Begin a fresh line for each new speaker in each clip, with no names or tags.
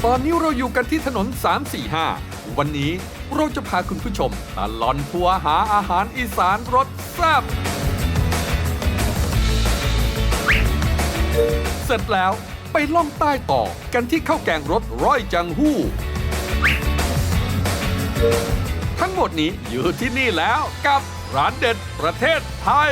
อนนี้เราอยู่กันที่ถนน 345 วันนี้เราจะพาคุณผู้ชมตลอดทัวร์หาอาหารอีสานรสแซ่บเสร็จแล้วไปล่องใต้ต่อกันที่ข้าวแกงรสร้อยจังหู้ทั้งหมดนี้อยู่ที่นี่แล้วกับร้านเด็ดประเทศไทย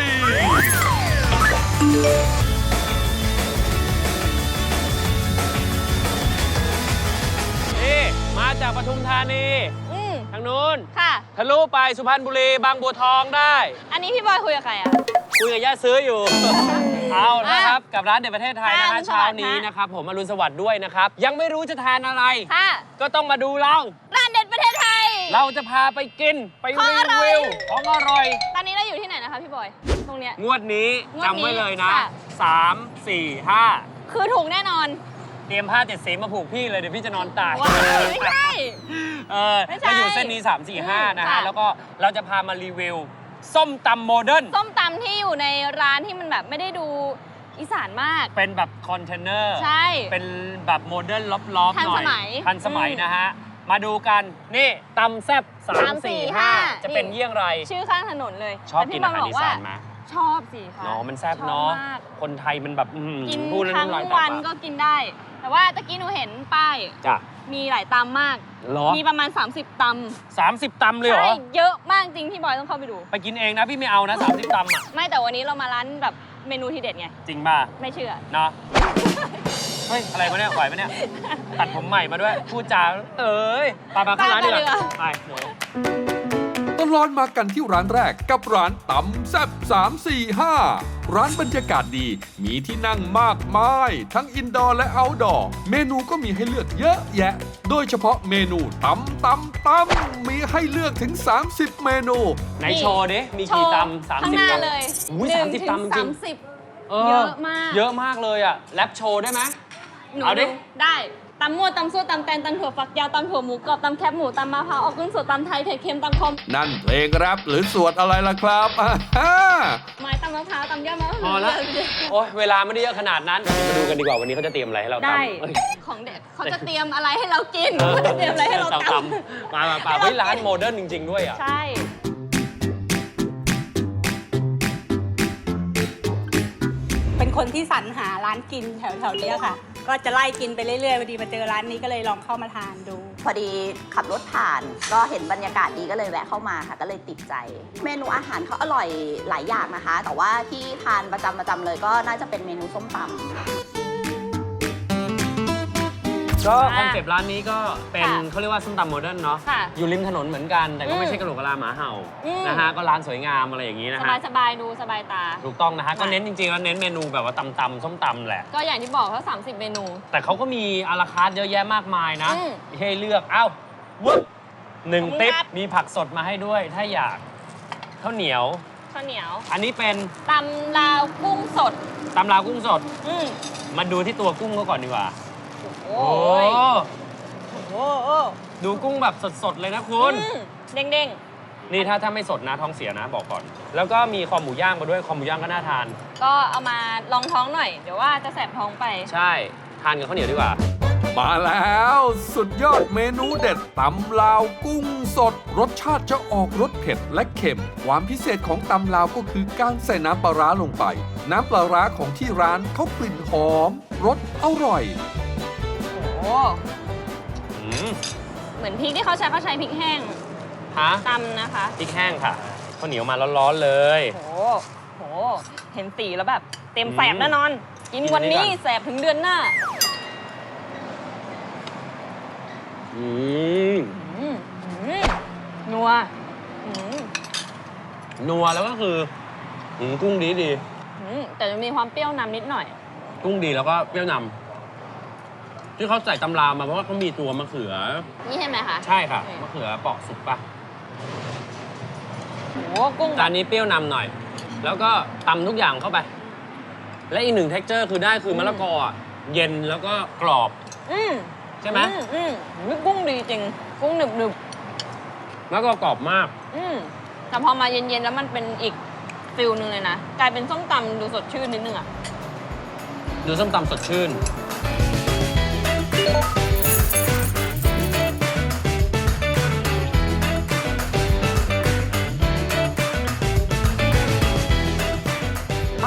นี่มาจากปทุมธานีทางนู้น
ค่ะ
ทะลุไปสุพรรณบุรีบางบัวทองได้
อันนี้พี่บอยคุยกับใครอ่ะ
คุยกับย่าซื้ออยู่ เอานะครับกับร้านเด็ดประเทศไทยนะ
ค่ะ
ฮะเช้านี้นะครับผมอรุณสวัสดิ์ด้วยนะครับยังไม่รู้จะทานอะไร
ค่ะ
ก็ต้องมาดูเรา
ร้านเด็ดประเทศไทย
เราจะพาไปกินไป
ของ
รี
อร่อย
วิวของอร่อย
ตอนนี้เราอยู่ที่ไหนนะคะพี่บอย ตรงเนี้ย
งวดนี้
งวดนี้
จำไว้เลยนะ
ค่ะ
3 4 5
คือถูกแน่นอน
เตรียมผ้า7 สีมาผูกพี่เลยเดี๋ยวพี่จะนอนตาย
ว้ายไม่ใช่ ไม่ใช่
เราอยู่เส้นนี้ 3 4 5 นะฮะ
ค่ะ
แล้วก็เราจะพามารีวิว ส้มตำโมเดิร์น
ส้มตำที่อยู่ในร้านที่มันแบบไม่ได้ดูอีสานมาก
เป็นแบบคอนเทนเนอร์
ใช่
เป็นแบบโมเดิร์นล็อบๆ
ทัน
หน่
ส
อย
มัย
ทันสมัย
อืม
นะฮะ มาดูกัน นี่ตำแซ่บ3 4 5 จะเป็นเยี่ยงไร
ชื่อข้างถนนเลย
ชอบ
แต่
กิ
พี่
น
บ
อาหาร
บ
อี
ว่
สานไหม
ชอบสิคะ
เนาะมันแซ่บ
ชอบ
เนาะ
มาก
คนไทยมันแบบ
กิน
พูดแล้ว
ทั้ง
น้ำลายแตก
วัน
ปาก
ก็กินได้ แต่ว่าตะกี้หนูเห็นป้าย
จ้ะ
มีหลายตำมาก
เหรอ
มีประมาณ 30 ตำ
30 ตำเลยเหรอ
ใช่เยอะมากจริงพี่บอยต้องเข้าไปดู
ไปกินเองนะพี่ไม่เอานะ30 ตำอ่ะ
ไม่แต่วันนี้เรามาร้านแบบเมนูทีเด็ดไง
จริงป่ะ
ไม่เชื่อ
เนาะ เฮ้ย อะไรมาเนี่ยไหวไหมเนี่ย ตัดผมใหม่มาด้วย พูดจา เอ้ยไปมาเข้าร้านดีกว่าไปหนู
ตลอดมากันที่ร้านแรกกับร้านตำแซ่บ345 ร้านบรรยากาศดีมีที่นั่งมากมายทั้งอินดอร์และเอาท์ดอร์เมนูก็มีให้เลือกเยอะแยะ โดยเฉพาะเมนูตำมีให้เลือกถึง 30 เมนู
ไหนโชว์ดิ มีกี่ตำ
ข้างหน้า
30 ตำ
เลย
อุ้ย
1
30 ตำจริง
30
เอ
เยอะมาก
เยอะมากเลยอ่ะ แรปโชว์ได้ไหม
หนู
เอาดิ
ได้ตำมั่วตำซั่วตำแตนตำถั่วฝักยาวตำถั่วหมูกรอบตำแคบหมูตำมะพร้าวออกกุ้งสดตำไทยเผ็ดเค็มตำคม
นั่นเพลงแรปหรือสวดอะไรล่ะครับ
ไม้ตำมะพร้าวตำยอดมะพ
พ
ร้า
อ
ว
แล้ว โอ้ยเวลาไม่ได้เยอะขนาดนั้น มาดูกันดีกว่าวันนี้เขาจะเตรียมอะไรให้เราตำ
ได้
เอ้ย
ของเด็ดเขาจะเตรียมอะไรให้เรากินเขาจะเตรียมอะไรให้เราตำ
มาเฮ้ยร้านโมเดิร์นจริง ๆ ด้วยอ่ะ
ใช่
เป็นคนที่สรรหาร้านกินแถวๆเนี้ยค่ะ ก็จะไล่กินไปเรื่อยๆพอดีมาเจอร้านนี้ก็เลยลองเข้ามาทานดู
พอดีขับรถผ่านก็เห็นบรรยากาศดีก็เลยแวะเข้ามาค่ะ ก็เลยติดใจ เมนูอาหารเขาอร่อยหลายอย่างนะคะ แต่ว่าที่ทานประจำเลยก็น่าจะเป็นเมนูส้มตำ
ก็คอนเซปต์ร้านนี้ก็เป็น
ค่ะ
เขาเรียกว่าส้มตำโมเดิร์นเนาะ
ค่ะ
อยู่ริมถนนเหมือนกัน แต่ก็ไม่ใช่กระโหลกกะลาหมาเห่า
อืม
นะฮะก็ร้านสวยงามอะไรอย่างนี้นะ
ส
ฮะ
บายสบายๆดูสบายตา
ถูกต้องนะฮะก็
ค่ะ
เน้นจริงๆแล้วเน้นเมนูแบบว่าตำส้มตำแหละ
ก็อย่างที่บอกเขา30 เมนู
แต่เขาก็มีอาราคาร์ทเยอะแยะมากมายนะ
อืม
ให้เลือกเอ้าวุ้บหนึ่ง
ขอบคุณ
ติ๊บ
ครับ
มีผักสดมาให้ด้วย ถ้าอยากข้าวเหนียว
ข้าวเหนียว
อันนี้เป็น
ตำลาวกุ้งสด
ตำลาวกุ้งสด
อืม
มาดูที่ตัวกุ้งก็ก่อนดีกว่า
โอ้ยโอ้โห
ดูกุ้งแบบสดๆเลยนะคุณ
อืมเด้ง
นี่ถ้าไม่สดนะท้องเสียนะบอกก่อน แล้วก็มีคอหมูย่างมาด้วยคอหมูย่างก็น่าทาน
ๆ ก็เอามาลองท้องหน่อย เดี๋ยวว่าจะแสบท้องไป
ใช่ ทานกับข้าวเหนียวดีกว่า
มาแล้วสุดยอดเมนูเด็ดตำลาวกุ้งสด รสชาติจะออกรสเผ็ดและเค็ม ความพิเศษของตำลาวก็คือการใส่น้ำปลาร้าลงไป น้ำปลาร้าของที่ร้านเขากลิ่นหอมรสอร่อย
โอ้
อืม
เหมือนพริกที่เขาใช้พริกแห้ง
ฮะ
ตำนะคะ
พริกแห้งค่ะข้าวเหนียวมาร้อนๆเลย
โหโห เห็นสีแล้วแบบ เต็ม
อืม
แสบแน่นอน กินวันนี้
กินอันนี้ก่อน
แสบถึงเดือนหน้า
อืม
อืมนัวอืม
นัวแล้วก็คือกุ้งดี
แต่จะมีความเปรี้ยวนำนิดหน่อย
กุ้งดีแล้วก็เปรี้ยวนำที่เขาใส่ตำรามาเพราะว่าเขามีตัวมะเขือ
นี่ใช่ไหมคะ
ใช่ค่ะมะเขือเปาะสุกปะ
โหกุ้ง
จานนี้เปรี้ยวนำหน่อย แล้วก็ตำทุกอย่างเข้าไป และอีกหนึ่ง texture คือได้คือมะละกออ่ะเย็นแล้วก็กรอบ
อืม
ใช่ไหม
กุ้งดีจริง กุ้งหนึบ
แล้วก็กรอบมาก
แต่พอมาเย็นๆแล้วมันเป็นอีกฟิลหนึ่งเลยนะ กลายเป็นส้มตำดูสดชื่นนิดนึงอ่ะ
ดูส้มตำสดชื่น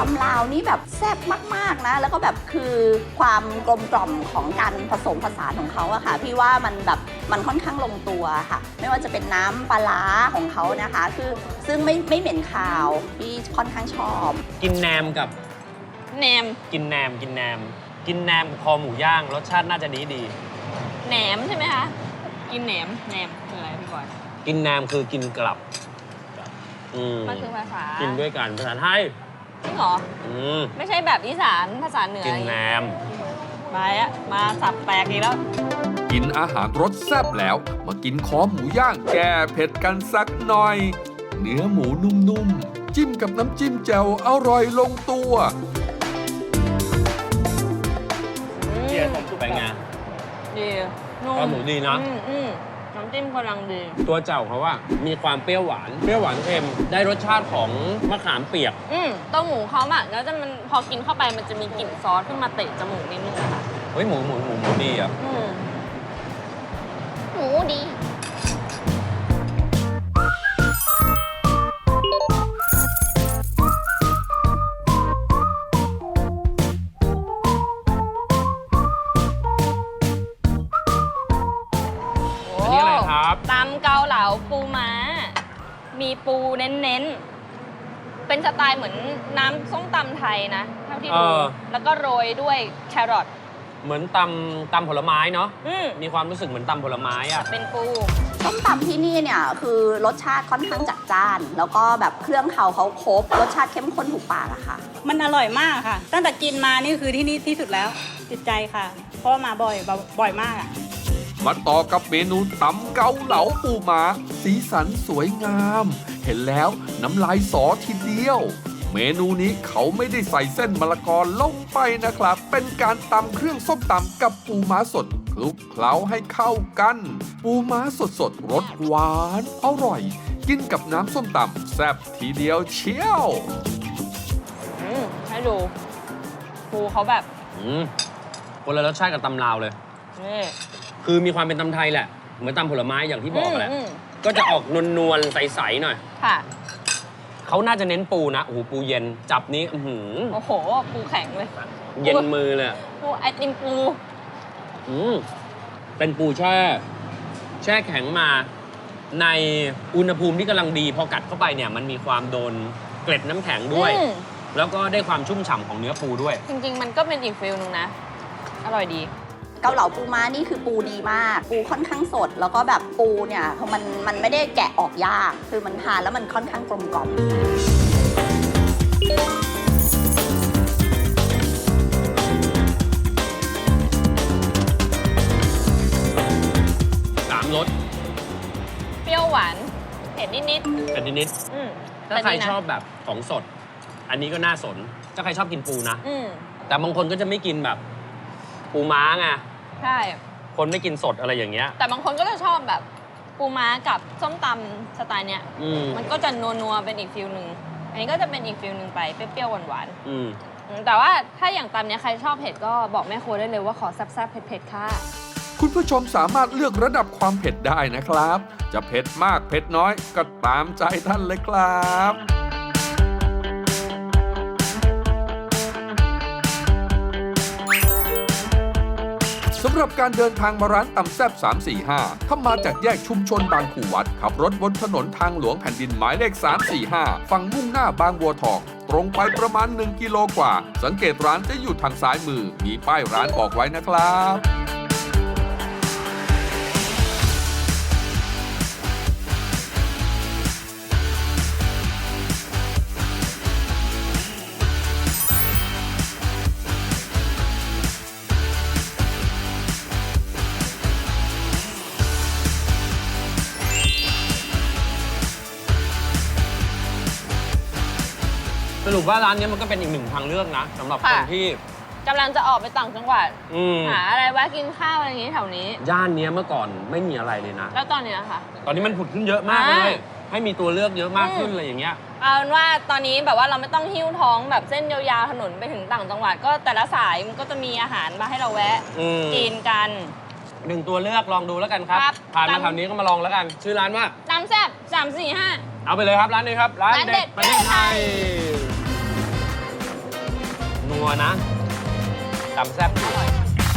ำลาวนี่แบบแซ่บมากๆนะแล้วก็แบบคือความกลมกล่อมของการผสมผสานของเขาอะค่ะพี่ว่ามันแบบมันค่อนข้างลงตัวค่ะไม่ว่าจะเป็นน้ำปลาร้าของเขานะคะคือซึ่งไม่เหม็นคาวพี่ค่อนข้างชอบ
กินแหนมกับ
แหนม
กินแหนมกับคอหมูย่างรสชาติน่าจะดี
แหนมใช่ไหมคะ กินแหนมคืออะไรพี่บอย
กินแหนมคือกินกลับม
มันคือภาษา
กินด้วยกันภาษาไทย
จริงเหรอ
อืม
ไม่ใช่แบบอีสานภาษาเหนือ
กินแหนม
ไปอะมาสับแตกอีกแล้ว
กินอาหารรสแซ่บแล้ว มากินคอหมูย่างแก้เผ็ดกันสักหน่อย เนื้อหมูนุ่มๆ จิ้มกับน้ำจิ้มแจ่วอร่อยลงตัว
เป็นไง
ดีนุ่ม
คอหมูดีนะ
น้ำจิ้มกำลังดี
ตัวเจ้าเขาว่ามีความเปรี้ยวหวานเค็มได้รสชาติของมะขามเปียก
ตัวหมูเขาอะแล้วจะมันพอกินเข้าไปมันจะมีกลิ่นซอสขึ้นมาเตะจมูกนิดนึงอะค่ะ
เฮ้ยหมูดีอ่ะ
หมูดี
อันนี้อะไรครับ
ตำเกาเหลาปูม้า มีปูเน้นๆ เป็นสไตล์เหมือนน้ำส้มตำไทยนะเท่าที่ดู แล้วก็โรยด้วยแครอท
เหมือนตำผลไม้เนาะ มีความรู้สึกเหมือนตำผลไม้อ่ะ
เป็นปู
ส้มตำที่นี่เนี่ยคือรสชาติค่อนข้างจัดจ้าน แล้วก็แบบเครื่องเขาครบรสชาติเข้มข้นถูกปากอะค่ะ
มันอร่อยมากค่ะ ตั้งแต่กินมานี่คือที่นี่ที่สุดแล้วติดใจค่ะ เพราะว่ามาบ่อยมากอะ
มาต่อกับเมนูตำเกาเหลาปูม้าสีสันสวยงาม เห็นแล้วน้ำลายสอทีเดียว เมนูนี้เขาไม่ได้ใส่เส้นมะละกอลงไปนะครับ เป็นการตำเครื่องส้มตำกับปูม้าสดคลุกเคล้าให้เข้ากัน ปูม้าสดรสหวานอร่อย กินกับน้ำส้มตำแซ่บทีเดียวเชียว
ให้ดูปูเขาแบบ
คนละรสชาติกับตำลาวเลย
นี่
คือมีความเป็นตำไทยแหละ เหมือนตำผลไม้อย่างที่บอกแหละ ก็จะออกนวลๆใสๆหน่อย
ค่ะ
เขาน่าจะเน้นปูนะ โอ้โห ปูเย็น จับนี้
โอ้โห ปูแข็งเลย
เย็นมือเลยอะ
ปูไอติมปู
เป็นปูแช่แข็งมา ในอุณหภูมิที่กำลังดี พอกัดเข้าไปเนี่ย มันมีความโดนเกล็ดน้ำแข็งด้วย แล้วก็ได้ความชุ่มฉ่ำของเนื้อปูด้วย
จริงๆ มันก็เป็นอีกฟิลนึงนะ อร่อยดี
เกาเหลาปูม้านี่คือปูดีมาก ปูค่อนข้างสด แล้วก็แบบปูเนี่ยมันไม่ได้แกะออกยาก คือมันทานแล้วมันค่อนข้างกลมกล่อม
3 รส
เปรี้ยวหวานเผ็ดนิด
แต่นิด
ๆ
ถ้าใครชอบแบบของสด อันนี้ก็น่าสน ถ้าใครชอบกินปูนะ
ม
แต่บางคนก็จะไม่กินแบบปูม้าไง
ใช่
คนไม่กินสดอะไรอย่างเงี้ย
แต่บางคนก็จะชอบแบบปูม้ากับส้มตำสไตล์เนี้ย มันก็จะนัวๆเป็นอีกฟิลหนึ่งอันนี้ก็จะเป็นอีกฟิลหนึ่งไปเปรี้ยวๆหวานๆแต่ว่าถ้าอย่างตำเนี้ยใครชอบเผ็ดก็บอกแม่ครัวได้เลยว่าขอแซ่บๆเผ็ดๆค่ะ
คุณผู้ชมสามารถเลือกระดับความเผ็ดได้นะครับ จะเผ็ดมากเผ็ดน้อยก็ตามใจท่านเลยครับ สำหรับการเดินทางมาร้านตำแซบ345 ถ้ามาจากแยกชุมชนบางขู่วัด ขับรถบนถนนทางหลวงแผ่นดินหมายเลข 345 ฝั่งมุ่งหน้าบางบัวทอง ตรงไปประมาณ 1 กิโลกว่า สังเกตร้านจะอยู่ทางซ้ายมือ มีป้ายร้านบอกไว้นะครับ
สรุปว่าร้านนี้มันก็เป็นอีกหนึ่งทางเลือกนะสำหรับคน
ค่ะ
ที่
กำลังจะออกไปต่างจังหวัด
ม
หาอะไรแวะกินข้าวอะไรอย่างงี้แถวนี้
ย่านเนี้ยเมื่อก่อนไม่มีอะไรเลยนะ
แล้วตอนเนี้ยค่ะ
ตอนนี้มันผุดขึ้นเยอะมากเลย ให้มีตัวเลือกเยอะมากขึ้น
อืม
อะไรอย่างเงี้ย
เอาเป็นว่าตอนนี้แบบว่าเราไม่ต้องหิ้วท้องแบบเส้นยาวๆถนนไปถึงต่างจังหวัด ก็แต่ละสายมันก็จะมีอาหารมาให้เราแวะ กินกัน
หนึ่งตัวเลือกลองดูแล้วกันครับ
ครับ
ผ่านมา
ตาม
แถวนี้ก็มาลองแล้วกัน ชื่อร้านว่า
ตำแซ่บ3 4 5
เอาไปเลยครับร้านนี้ครับ ร้าน
ร้านเด็
เด็
ด
ดประเทศไทยวนะตำแซ่บ
อร่อย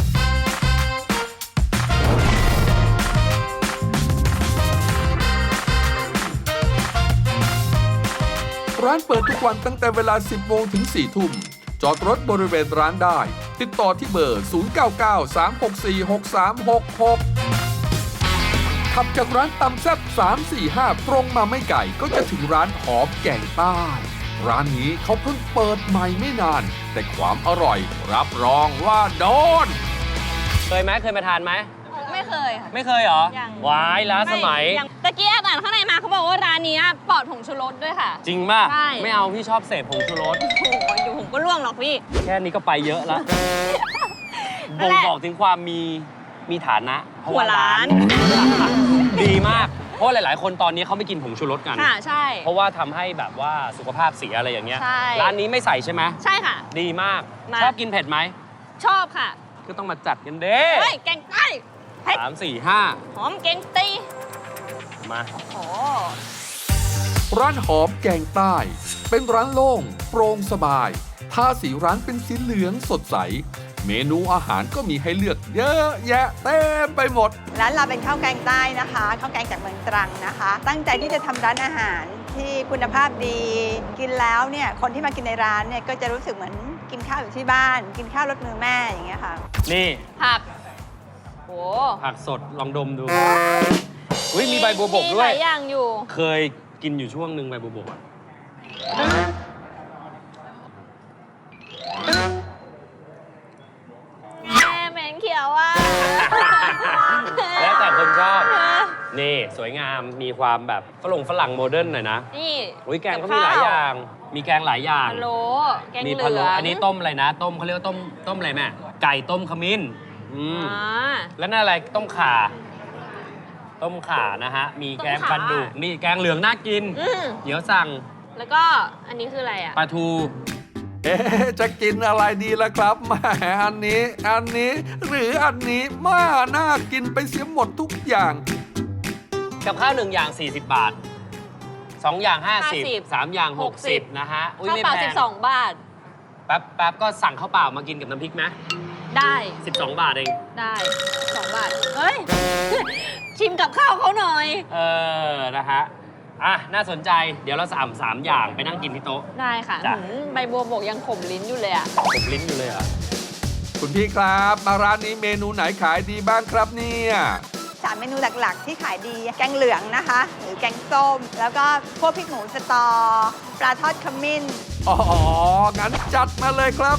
ร้านเปิดทุกวันตั้งแต่เวลา 10 โมงถึง 4 ทุ่ม จอดรถบริเวณร้านได้ ติดต่อที่เบอร์ 0993646366 ขับจากร้านตำแซ่บ345 ตรงมาไม่ไกลก็จะถึงร้านหอมแกงใต้ ร้านนี้เขาเพิ่งเปิดใหม่ไม่นาน แต่ความอร่อยรับรองว่าโดน
เคยไหมเคยมาทานไหม
ไม่เคยค่ะ
ไม่เคยเหรอ
ยัง
วายล้าสมัย
ยังตะกี้แอบอ่านข้างในมาเขาบอกว่าร้านนี้ปลอดผงชูรสด้วยค่ะ
จริงป่ะ
ใช่
ไม่เอาพี่ชอบเสพผงชูรส
โอ้โหอยู่ผมก็ล่วงหรอกพี่
แค่นี้ก็ไปเยอะแล้ว
นั่
บ่
น
ง
แหละ
บอกถึงความมีฐานะเพระ
หัวร้าน
ดีมาก เพราะหลาย ๆ คนตอนนี้เขาไม่กินผงชูรสกัน
ค่ะใช่
เพราะว่าทำให้แบบว่าสุขภาพเสียอะไรอย่างเงี้ย
ใช่
ร้านนี้ไม่ใส่ใช่ไหม
ใช่ค่ะ
ดีมาก
มา
ชอบกินเผ็ดไหม
ชอบค่ะ
ก็ต้องมาจัดกันเด้
เฮ้ยแกงใต้เฮ้ย
3 4
หอมแกงตี
5 มา
โอ้
ร้านหอมแกงใต้ เป็นร้านโล่งโปร่งสบายทาสีร้านเป็นสีเหลืองสดใส เมนูอาหารก็มีให้เลือกเยอะแยะเต็มไปหมด
ร้านเราเป็นข้าวแกงใต้นะคะข้าวแกงจากเมืองตรังนะคะ ตั้งใจที่จะทำร้านอาหารที่คุณภาพดี กินแล้วเนี่ยคนที่มากินในร้านเนี่ยก็จะรู้สึกเหมือนกินข้าวอยู่ที่บ้าน กินข้าวรสมือแม่อย่างเงี้ยค่ะ
นี่
ผักโอ้
ผักสดลองดมดู อุ้ยมีใบบัวบก
มี
ด้ว
ห
ย
ลายอย่างอยู่
เคยกินอยู่ช่วงหนึ่งใบบัวบกอะ
แม่เหม็นเขียวอ่ะ
แล้วแต่คนชอบ นี่สวยงามมีความแบบฝรั่งโมเดิร์นหน่อยนะ
นี่
อุ้ยแกงก็มีหลายอย่าง มีแกงหลายอย่าง
พะโล้แกง
มี
เหลื
พะโล้
อง
อันนี้ต้มอะไรนะ ต้มเขาเรียกว่าต้มอะไรแม่ ไก่ต้มขมิ้นอืม
อ่า
แล้วนั่นอะไรต้มข่า ต้มข่านะฮะ มีแกง
ต้ม
ป
ข่า
ลาดุกนี่แกงเหลืองน่ากิน
อืม
เดี๋ยวสั่ง
แล้วก็อันนี้คืออะไรอ่ะ
ปลาทู
เอ๊ะจะกินอะไรดีล่ะครับแหมอันนี้ หรืออันนี้มาน่ากินไปเสียหมดทุกอย่าง
กับข้าว1 อย่าง 40 บาท 2 อย่าง 50 3 อย่าง 60 นะฮะ อุ้ย
ข้าว
ไม่
เปล่า
แพง
12 บาท
แป๊บก็สั่งข้าวเปล่ามากินกับน้ำพริกไหม
ได้
12 บาทเอง
ได้2 บาท เฮ้ย ชิมกับข้าวเขาหน่อย
นะฮะ อ่ะ น่าสนใจ เดี๋ยวเราสั่ง3 อย่างไปนั่งกินที่โต๊ะ
ได้ค่ะ
จ้ะ
ใบบัวบกยังขมลิ้นอยู่เลยอ่ะ
ผมลิ้นอยู่เลยเหรอ
คุณพี่ครับ มาร้านนี้เมนูไหนขายดีบ้างครับเนี่ย
3 เมนูหลักๆ ที่ขายดีแกงเหลืองนะคะ หรือแกงส้ม แล้วก็พวกพริกหมูสตอ ปลาทอดขมิ้น
อ๋อ งั้นจัดมาเลยครับ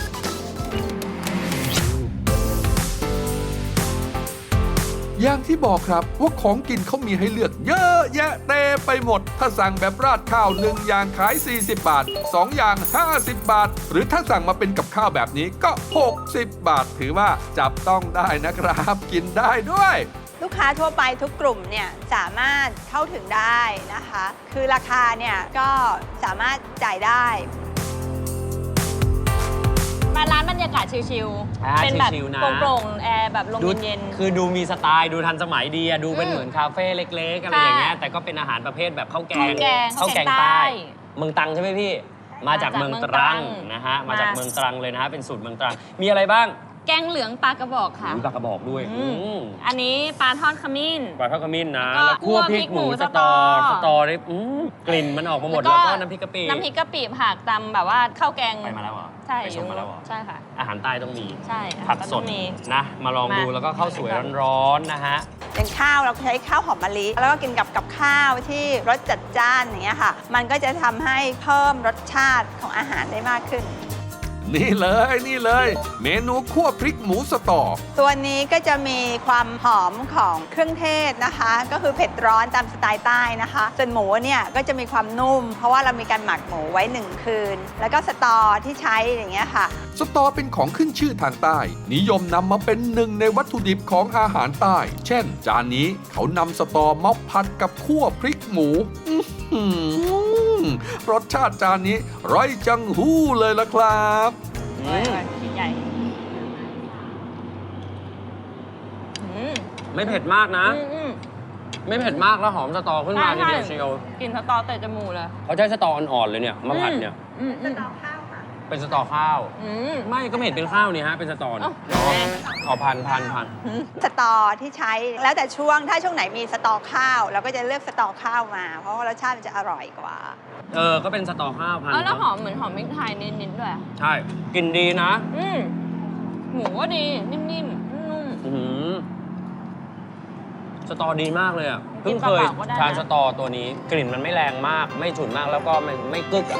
อย่างที่บอกครับว่าของกินเขามีให้เลือกเยอะแยะเต็มไปหมด ถ้าสั่งแบบราดข้าว1 อย่างขาย 40 บาท 2 อย่าง 50 บาท หรือถ้าสั่งมาเป็นกับข้าวแบบนี้ก็ 60 บาท ถือว่าจับต้องได้นะครับ กินได้ด้วย
ลูกค้าทั่วไปทุกกลุ่มเนี่ยสามารถเข้าถึงได้นะคะ คือราคาเนี่ยก็สามารถจ่ายได้
มาร้านบรรยากาศชิล
อ่า
ๆ เป็นแบบ
ชิลๆนะ
โปร่งๆ แอร์แบบลม
ดู
เย็น
คือดูมีสไตล์ดูทันสมัยดีอะดูเป็น
อืม
เหมือนคาเฟ่เล็กๆ อะไร
ค่ะ
อย่างเงี้ยแต่ก็เป็นอาหารประเภทแบบข้าวแกง
ข้าวแกงใต้
เมืองตรังใช่ไหมพี่ มาจากเมืองตรังนะฮะมาจากเมืองตรังเลยนะฮะเป็นสูตรเมืองตรังมีอะไรบ้าง
แกงเหลืองปลากระบอกค่ะ
มีปลากระบอกด้วย
อืมอันนี้ปลาทอดขมิ้น
ปลาทอดขมิ้นนะ
แล้วก็
แล้วคั่วพริกหมูสตอ
สตอ
นี่กลิ่นมันออกมาหมดแล้วก็น้ำพริกกะปิ
น้ำพริกกะปิผักตำแบบว่าข้าวแกง
ไปมาแล้วเหรอ
ใช่
ไปชมมาแล้วเหรอ
ใช่ค่ะ
อาหารใต้ต้องมี
ใช่
ผักสด
ต้องมี
นะ มาลองดู
มา
แล้วก็ข้าวสวยร้อนๆนะฮะ
อย่างข้าวเราใช้ข้าวหอมมะลิ แล้วก็กินกับข้าวที่รสจัดจ้านอย่างเงี้ยค่ะ มันก็จะทำให้เพิ่มรสชาติของอาหารได้มากขึ้น
นี่เลย เมนูคั่วพริกหมูสตอ
ตัวนี้ก็จะมีความหอมของเครื่องเทศนะคะ ก็คือเผ็ดร้อนตามสไตล์ใต้นะคะ ส่วนหมูเนี่ยก็จะมีความนุ่ม เพราะว่าเรามีการหมักหมูไว้ 1 คืน แล้วก็สตอที่ใช้อย่างเงี้ยค่ะ
สตอเป็นของขึ้นชื่อทางใต้ นิยมนำมาเป็นหนึ่งในวัตถุดิบของอาหารใต้ เช่น จานนี้เขานำสตอมาผัดกับคั่วพริกหมูอื้อหือรสชาติจานนี้ร้อยจังหู้เลยละครับ
ชิ้นใหญ่อืม
ไม่เผ็ดมากนะ
อืม
ไม่เผ็ดมากแล้วหอมสตอขึ้นมาทีเดียวเชียว
กลินสตอเตะจมูกเลย
เขาใช้สตออ่อนๆเลยเนี่ยมาผัดเนี่ย
อืม
สตอข้าวค่ะ
เป็นสตอข้าว ไม่ก็ไม่เห็นเป็นข้าวนี่ฮะ เป็นสตอนี่เอาพัน
สตอที่ใช้แล้วแต่ช่วงถ้าช่วงไหนมีสตอข้าวเราก็จะเลือกสตอข้าวมา เพราะว่ารสชาติมันจะอร่อยกว่า
ก็เป็นสตอข้าวพัน
แล้วหอมเหมือนหอมพริกไทยนิดๆด้วย
ใช่กลิ่นดีนะ
หมูก็ดี นิ่มๆ นุ่ม
สตอดีมากเลยอ่ะ
กิ
เพิ่
น
ง
เป
เคย
ล่าๆก็ได้นะ
ทานสตอตัวนี้ กลิ่นมันไม่แรงมาก ไม่ฉุนมากแล้วก็ไม่กึกอ่ะ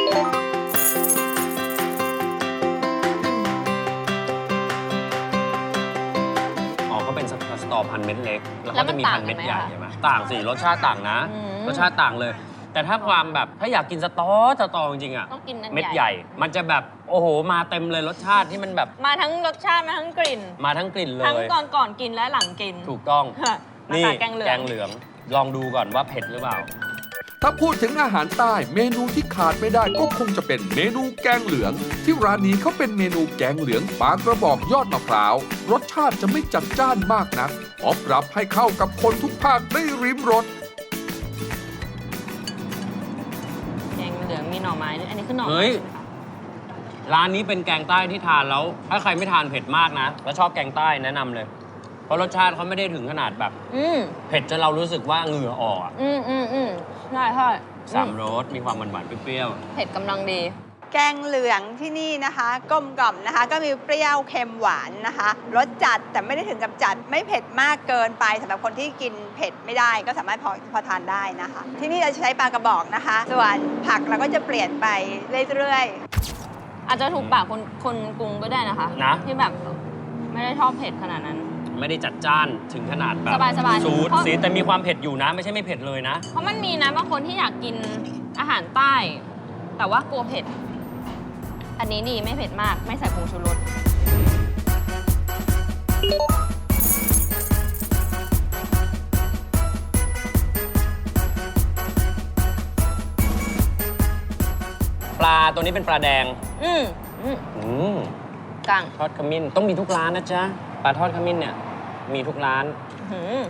เขาเป็นสตอพันเม็ดเล็ก แล้วก็จะมีพันเม็ดใหญ่ใช่ไหมต่างสิรสชาติต่างนะ รสชาติต่างเลย แต่ถ้าความแบบถ้าอยากกินสตอจริงๆอ่ะ
ต้องกินนั่น
เม็ดใหญ่ มันจะแบบโอ้โหมาเต็มเลยรสชาติที่มันแบบ
มาทั้งรสชาติมาทั้งกลิ่น
มาทั้งกลิ่นเล
ทั้ง
ย
ก่อนกินและหลังกิน
ถูกต้อง
มา
นี่
ค่ะแกงเหลือง
แกงเหลือง ลองดูก่อนว่าเผ็ดหรือเปล่า
ถ้าพูดถึงอาหารใต้เมนูที่ขาดไม่ได้ก็คงจะเป็นเมนูแกงเหลือง ที่ร้านนี้เขาเป็นเมนูแกงเหลืองปลากระบอกยอดมะพร้าวรสชาติจะไม่จัดจ้านมากนักขอปรับให้เข้ากับคนทุกภาคได้ริมรส
แกงเหลืองมีหน่อไม้ด้วยอันนี้คือหน่อ
เฮ้
ไม้
ย
ใช่ไหมคะ
ร้านนี้เป็นแกงใต้ที่ทานแล้ว ถ้าใครไม่ทานเผ็ดมากนะ แล้วชอบแกงใต้แนะนำเลย เพราะรสชาติเขาไม่ได้ถึงขนาดแบบ เผ็ดจนเรารู้สึกว่าเหงื่อออกอะ
ใช่ใช่
สามรสมีความหวานๆเปรี้ยว
เผ็ดกำลังดี
แกงเหลืองที่นี่นะคะกลมกล่อมนะคะ ก็มีเปรี้ยวเค็มหวานนะคะรสจัดแต่ไม่ได้ถึงกับจัดไม่เผ็ดมากเกินไปสำหรับคนที่กินเผ็ดไม่ได้ก็สามารถพอทานได้นะคะ ที่นี่เราจะใช้ปลากระบอกนะคะ ส่วนผักเราก็จะเปลี่ยนไปเรื่อยๆ
อาจจะถูกปากคนกรุงก็ได้นะคะ
นะ
ที่แบบไม่ได้ชอบเผ็ดขนาดนั้น
ๆ ไม่ได้จัดจ้านถึงขนาดแบบ
สบายๆ
ซูด
เพราะ
ซีดแต่มีความเผ็ดอยู่นะ ไม่ใช่ไม่เผ็ดเลยนะ
เพราะมันมีนะบางคนที่อยากกินอาหารใต้ แต่ว่ากลัวเผ็ด อันนี้ดีไม่เผ็ดมากไม่ใส่ผงชูรส
ปลาตัวนี้เป็นปลาแดง
อืม กลาง
ทอดขมิ้นต้องมีทุกร้านนะจ๊ะปลาทอดขมิ้นเนี่ยมีทุกร้าน
อืม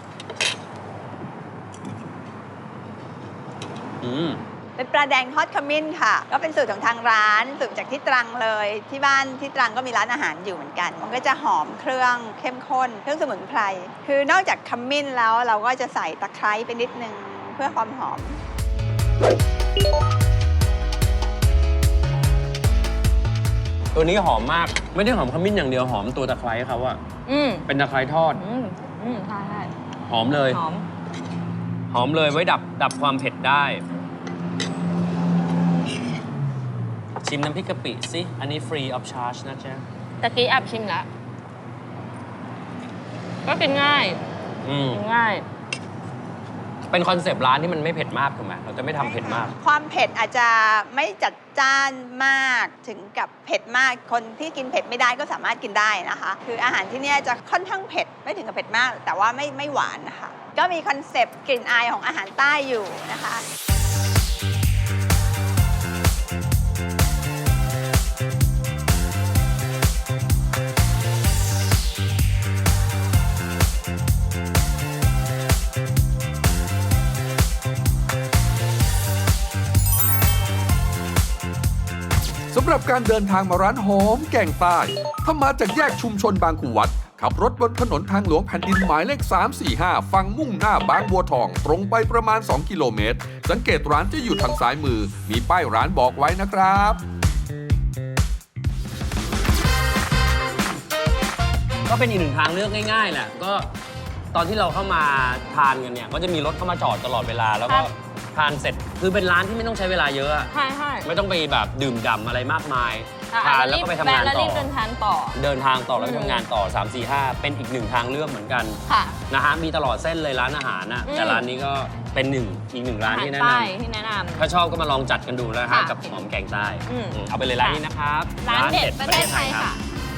เป็นปลาแดงทอดขมิ้นค่ะ ก็เป็นสูตรของทางร้านสูตรจากที่ตรังเลยที่บ้านที่ตรังก็มีร้านอาหารอยู่เหมือนกัน มันก็จะหอมเครื่องเข้มข้นเครื่องสมุนไพรคือนอกจากขมิ้นแล้วเราก็จะใส่ตะไคร้ไปนิดนึงเพื่อความหอม
ตัวนี้หอมมากไม่ได้หอมขมิ้นอย่างเดียวหอมตัวตะไคร้เขาอะ เป็นตะไคร้ทอด
ใช่ใช่
หอมเลย
หอม
หอมเลยไว้ดับความเผ็ดได้ ชิมน้ำพริกกะปิสิ อันนี้ free of charge นะจ๊ะ
ตะกี้แอบชิมแล้ว ก็กินง่าย กินง่าย
เป็นคอนเซปต์ร้านที่มันไม่เผ็ดมากถูกไหมเราจะไม่ทำเผ็ดมาก
ความเผ็ดอาจจะไม่จัดจ้านมากถึงกับเผ็ดมากคนที่กินเผ็ดไม่ได้ก็สามารถกินได้นะคะ คืออาหารที่เนี่ยจะค่อนข้างเผ็ดไม่ถึงกับเผ็ดมาก แต่ว่าไม่หวานนะคะ ก็มีคอนเซปต์กลิ่นอายของอาหารใต้อยู่นะคะ
สำหรับการเดินทางมาร้านหอมแกงใต้ ถ้ามาจากแยกชุมชนบางขวัดขับรถบนถนนทางหลวงแผ่นดินหมายเลข 345 ฝั่งมุ่งหน้าบางบัวทอง ตรงไปประมาณ 2 กิโลเมตร สังเกตร้านจะอยู่ทางซ้ายมือ มีป้ายร้านบอกไว้นะครับ
ก็เป็นอีกหนึ่งทางเลือกง่ายๆแหละ ก็ตอนที่เราเข้ามาทานกันเนี่ย ก็จะมีรถเข้ามาจอดตลอดเวลา แล้วก็
ครับ
ทานเสร็จ คือเป็นร้านที่ไม่ต้องใช้เวลาเยอะอะ
ใช่ใช่
ไม่ต้องไปแบบดื่มด่ำอะไรมากมาย
อ่ะ
ทาน
อาจจะ
แล้ว
รีบ
ก็ไปทำ
แวะ
งาน
แล้ว
ต่
รี
อ
บเดินทางต่อ
เดินทางต่อแล้วไปทำงานต่อ 3 4 5 เป็นอีกหนึ่งทางเลือกเหมือนกัน
ค่ะ
นะฮะ มีตลอดเส้นเลยร้านอาหารนะ แต่ร้านนี้ก็เป็นอีกหนึ่งร้านที่แนะน
ใต้ที่แนะน
ำถ้าชอบก็มาลองจัดกันดูนะฮะ
ค่ะ
กับหอมแกงใต้
อืม
เอาไปเลยร้านนี้นะครับ
ำร้านเด็ดประเทศไทยค่ะ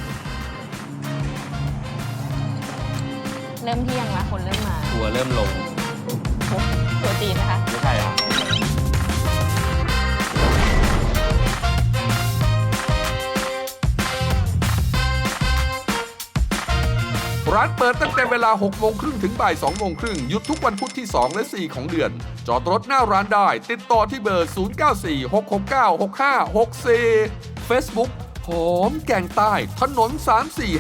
เริ่มเที่ยงแล้วคนเริ่มมา
ทัวร์เริ่มลง
ตัวจีนนะคะ
ไม่ใช่เหรอ
ร้านเปิดตั้งแต่เวลา 6 โมงครึ่งถึงบ่าย 2 โมงครึ่ง หยุดทุกวันพุธที่ 2 และ 4 ของเดือน จอดรถหน้าร้านได้ ติดต่อที่เบอร์ 0946696564 Facebook หอมแกงใต้ถนน 345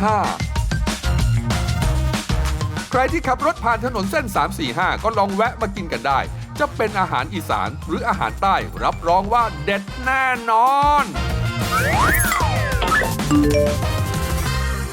ใครที่ขับรถผ่านถนนเส้น 345 ก็ลองแวะมากินกันได้ จะเป็นอาหารอีสานหรืออาหารใต้ รับรองว่าเด็ดแน่นอน